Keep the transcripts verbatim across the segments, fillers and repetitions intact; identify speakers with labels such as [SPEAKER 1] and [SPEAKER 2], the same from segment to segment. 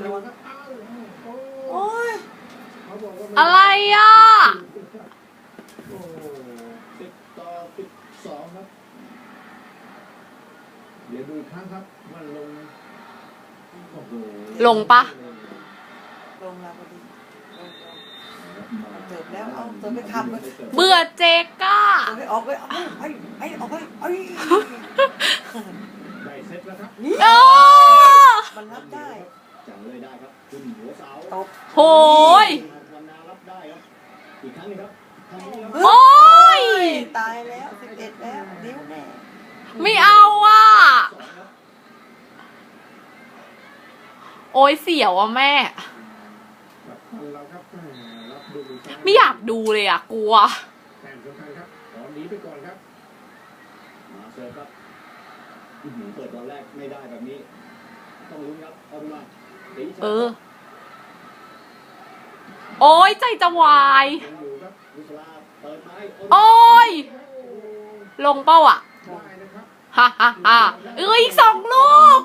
[SPEAKER 1] โอ้ย
[SPEAKER 2] อะไรอ่ะ
[SPEAKER 3] สิบต่อสิบสองครับเดี๋ยวดูอีกครั้งครับมันลงโอ้โห
[SPEAKER 2] ลงปะ
[SPEAKER 1] ลงแล้วพอดีเติบแล้วเอาเติบไปขับเลย
[SPEAKER 2] เบื่อเจก้า
[SPEAKER 1] เติบไปออกไปเอาไปไปออกไปไอ้
[SPEAKER 3] ได้เซตแล้วครับ
[SPEAKER 2] โอ้
[SPEAKER 1] มันรับได้
[SPEAKER 3] จังเลยได้ครับคุณหัวเสา
[SPEAKER 1] ตบ
[SPEAKER 2] โหย
[SPEAKER 3] วันนารับได้ครับอีกครั้งนึงครับ
[SPEAKER 2] โอ้ย
[SPEAKER 1] ตายแล้วสิบเอ็ดแล้วนิ้วแน่
[SPEAKER 2] ไม่เอาอ่ะโอ้ยเสียวอ่ะแม่ไม่อยากดูเลยอ่ะกลัว
[SPEAKER 3] แต้มสำคัญครับตอนนี้ไปก่อนครับมาเซิร์ฟครับเปิดตอนแรกไม่ได้แบบนี้ต้องลุ้นครับเอามา
[SPEAKER 2] เออโอ้ยใจจะวายโอ้ยลงเป้าอ่ะฮ่าฮ่าฮ่าเอ้ยอีกสองลูก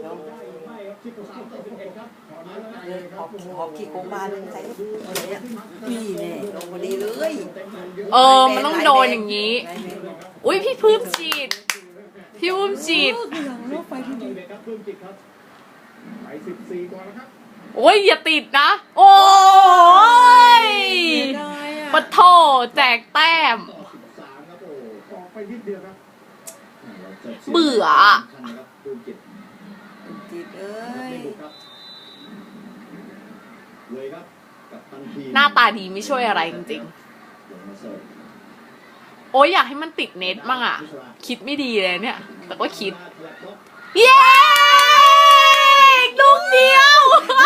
[SPEAKER 1] หอบขี้โกงมาเลยใส่นี่แน่ลงพอดีเลย
[SPEAKER 2] เออมันต้องโดนอย่างนี้อุ้ยพี่พื้มฉีดพี่พื้มฉีดโอ้ยอย่าติดนะโอ้ยปะโถแจกแต้มเบื่อหน้าตาดีไม่ช่วยอะไรจริงๆโอ้ยอยากให้มันติดเน็ตมั่งอ่ะคิดไม่ดีเลยเนี่ยแต่ก็คิดเย้ลูกเดียว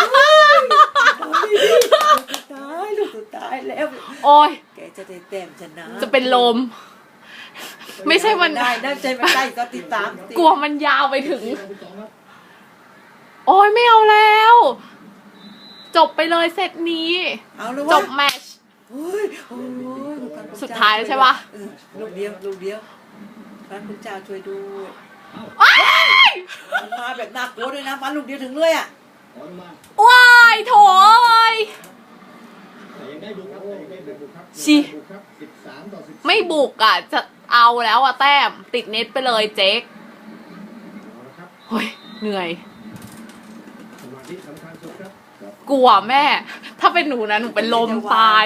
[SPEAKER 1] ตายลูกสุดท้ายแล้ว
[SPEAKER 2] โอ้ย
[SPEAKER 1] แกจะได้เต็มชนะ
[SPEAKER 2] จะเป็นลมไม่ใช่มัน
[SPEAKER 1] ได้ได้ใจมันได้ก็ติดตาม
[SPEAKER 2] กลัวมันยาวไปถึงโอ้ยไม่เอาแล้วจบไปเลยเซตนี้จบแมตช์สุดท้ายใช่ปะ
[SPEAKER 1] ลูกเดียวลูกเดียวพระคุณเจ้าช่วยดูมันมาแบบหนักโคตรเลยนะมาลูกเดียวถึงเลยอ่ะ
[SPEAKER 2] ว้ายโถยชิไม่บุกอ่ะจะเอาแล้วอ่ะแต้มติดเน็ตไปเลยเจ๊กเฮ้ยเหนื่อยกลัวแม่ถ้าเป็นหนูนะหนูเป็นลมตาย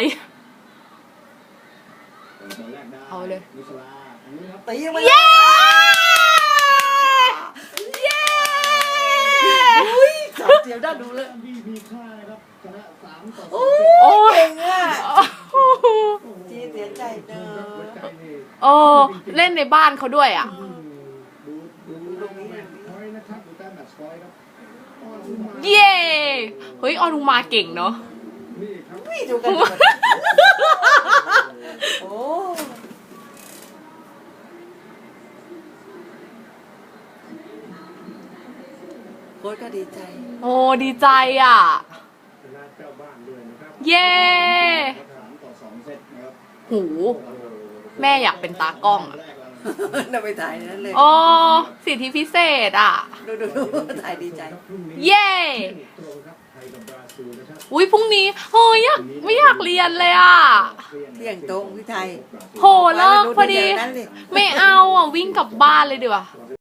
[SPEAKER 2] เอาเลยเย้เย้
[SPEAKER 1] เดี๋ยวได้ดูเลย
[SPEAKER 2] โอ้
[SPEAKER 1] ยเก่งอ่ะจีเสียใจเนอะ
[SPEAKER 2] โอ้เล่นในบ้านเขาด้วยอ่ะเย้เฮ้ยออนุมาเก่งเนาะ
[SPEAKER 1] ดูกันโอ้โค้ชก็ดีใจ
[SPEAKER 2] โอ้ดีใจอ่ะเย้หูแม่อยากเป็นตากล้องอ่ะ
[SPEAKER 1] เราไปถ่ายนั่นเลย
[SPEAKER 2] อ๋อสิทธิพิเศษอ่ะ
[SPEAKER 1] ดูดูถ่ายดีใจ
[SPEAKER 2] เย้อุ้ยพรุ่งนี้เฮ้ยไม่อยากเรียนเลยอ่ะ
[SPEAKER 1] เที่ยงตรงพี่ไทย
[SPEAKER 2] โหเลิกพอดีไม่เอาอ่ะวิ่งกลับบ้านเลยดีกว่า